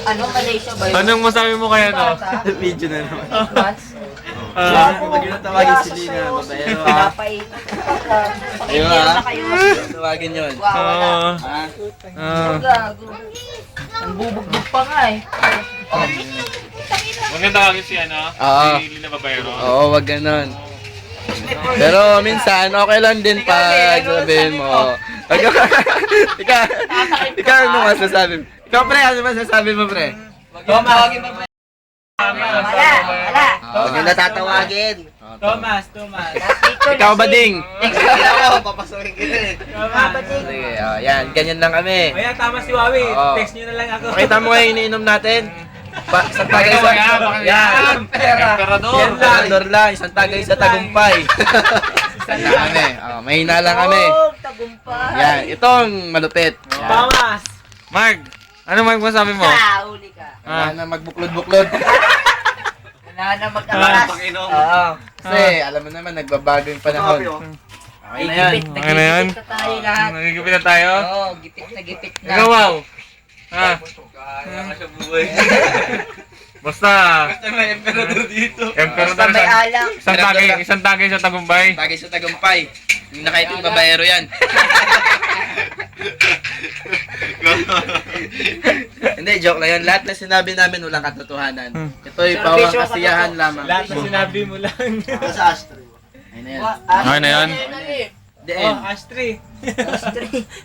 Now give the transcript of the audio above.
Malaysia ba yun? Anong masabi mo kaya no? Video na naman. 8 months? Pag yun ang tawagin si Lina, babaero ha. Pinapaitan. Ayun Pakinggan ha. na kayo. Tawagin yun. Wawala. Ha? Gago. Ang bubugbog pa nga eh. Huwag nang tawagin si ano? Oo. Si Lina Babayro. Oo, wag ganon. Pero minsan, okay lang din pag sabihin mo. Ikaw ano masasabi mo? Ikaw pre, ano masasabi mo pre? Tawagin mo ba? Wala. Huwag yung natatawagin. Thomas. Ikaw ba ding? Papasukin kita eh. Thomas. Sige, yan, ganyan lang kami. Ayan, tama si Wawi. Oo. Text nyo na lang ako. Pakita mo ngayon iniinom natin. Isang tagay Pakita mo yan, sa... pakita Yan! Emperador. Yan lang! Emperador lang, isang tagay sa tagumpay. Yan lang kami. Mahina lang kami. Tagumpay. Yan, itong malupit. Yan. Thomas. Mark, ano Mark masabi mo? Huli ka. Wala na magbuklod-buklod. Wala na mag-akas. Oo. Kasi alam mo naman, nagbabago yung panahon. Okay na yan. Okay na yan? Gipit na tayo lahat. Nagigipit na tayo? Oo, gipit na gipit na. Ikaw, wow. Ha? Basta. may emperador dito. Emperador Basta may sa... alak. Isang tagay sa tagumpay. Tagay sa tagumpay. Yung nakaitim babaero yan. Hindi, joke lang yan. Lahat na sinabi namin walang katotohanan. Ito'y pawang kasiyahan lamang. Lahat na sinabi mo lang. Sa Astro. Ayun na yan. Okay na yan? The Oh, end. Astrid. Astray.